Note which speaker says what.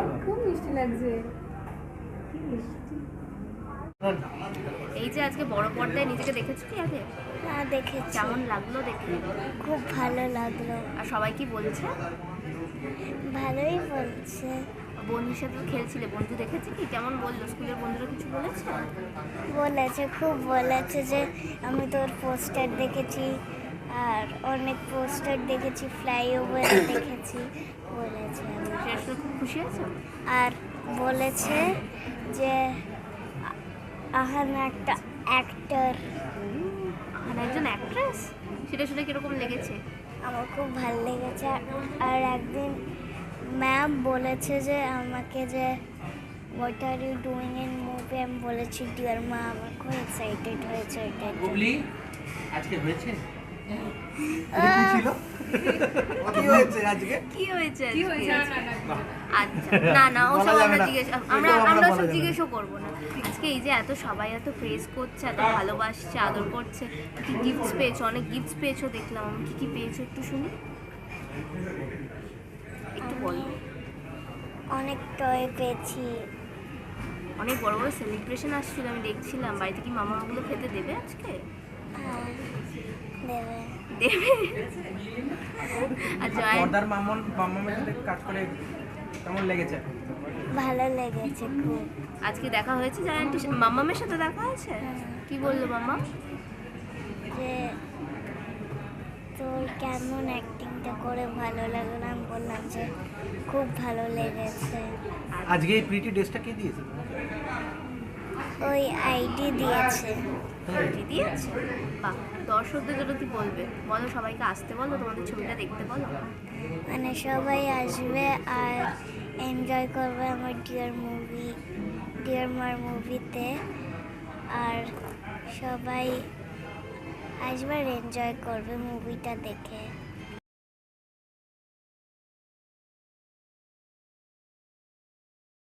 Speaker 1: খুব মিষ্টি লাগছে।
Speaker 2: এই যে আজকে বড় পর্দায় নিজেকে দেখেছো কি আগে?
Speaker 3: হ্যাঁ দেখেছি,
Speaker 2: কেমন লাগলো দেখে?
Speaker 3: খুব ভালো লাগলো।
Speaker 2: আর সবাই কি বলছে?
Speaker 3: ভালোই বলছে।
Speaker 2: বন্ধুর সাথে তো খেলছিলে, বন্ধু দেখেছে কি কেমন বললো? স্কুলের বন্ধুরা কিছু বলেছে?
Speaker 3: বলেছে, খুব বলেছে যে আমি তোর পোস্টার দেখেছি, আর অনেক পোস্টার দেখেছি, ফ্লাইওভার দেখেছি বলেছে।
Speaker 2: সেটা শুনে খুব খুশি হয়েছে।
Speaker 3: আর বলেছে যে আহান একটা অ্যাক্টর।
Speaker 2: আর একজন অ্যাক্ট্রেস, সেটা শুনে কিরকম লেগেছে?
Speaker 3: আমার খুব ভালো লেগেছে। আর একদিন ম্যাম বলেছে যে আমাকে যে what are you doing in movie, আমি বলেছি ডিয়ার মা। আমার খুব এক্সাইটেড হয়েছে এটার জন্য।
Speaker 4: বুবলি আজকে হয়েছে
Speaker 3: আহ,
Speaker 4: কি হয়েছে আজকে?
Speaker 2: কি হয়েছে
Speaker 1: কি
Speaker 2: আজকে?
Speaker 1: হয়েছে?
Speaker 2: আচ্ছা, না না ওসব
Speaker 4: বলা যাবে
Speaker 2: আমরা
Speaker 4: না।
Speaker 2: জিজ্ঞেস
Speaker 4: এটাও আমরা
Speaker 2: আমরা
Speaker 4: বলা
Speaker 2: সব
Speaker 4: যাবে না।
Speaker 2: জিজ্ঞেসও করবো না। আজকে এই যে এত সবাই এত প্রেজ করছে, এত ভালোবাসছে, আদর করছে, কি গিফটস পেয়েছো? অনেক গিফটস পেয়েছো দেখলাম। কি কি পেয়েছো একটু শুনি, একটু বলো।
Speaker 3: অনেক টয় পেয়েছি।
Speaker 2: অনেক বড় বড় সেলিব্রেশন আসছিল, আমি দেখছিলাম। বাড়িতে কি মামা ওগুলো খেতে দেবে আজকে?
Speaker 3: হ্যাঁ, দেবে।
Speaker 2: দেবে। আর জয়
Speaker 4: পর্দার মাম্মামের সাথে কাজ করে কেমন লেগেছে?
Speaker 3: ভালো লেগেছে খুব।
Speaker 2: আজকে দেখা হয়েছে জয় আন্টি, মাম্মামের সাথে দেখা হয়েছে? কি বললো মাম্মা?
Speaker 3: যে তোর কেমন অ্যাক্টিংটা করে ভালো লাগলো। আমি বললাম যে খুব ভালো লেগেছে।
Speaker 4: আজকে এই প্রিটি ড্রেসটা কে দিয়েছে?
Speaker 3: ওই আইডি দিয়েছে।
Speaker 2: কি দিয়েছে? বাহ, দর্শকদের জন্য কি বলবে বলো? সবাইকে আসতে বলো, তোমাদের ছবিটা দেখতে বলো।
Speaker 3: মানে সবাই আসবে আর এনজয় করবে আমার ডিয়ার মার মুভিতে। আর সবাই আসবে আর এনজয় করবে মুভিটা দেখে।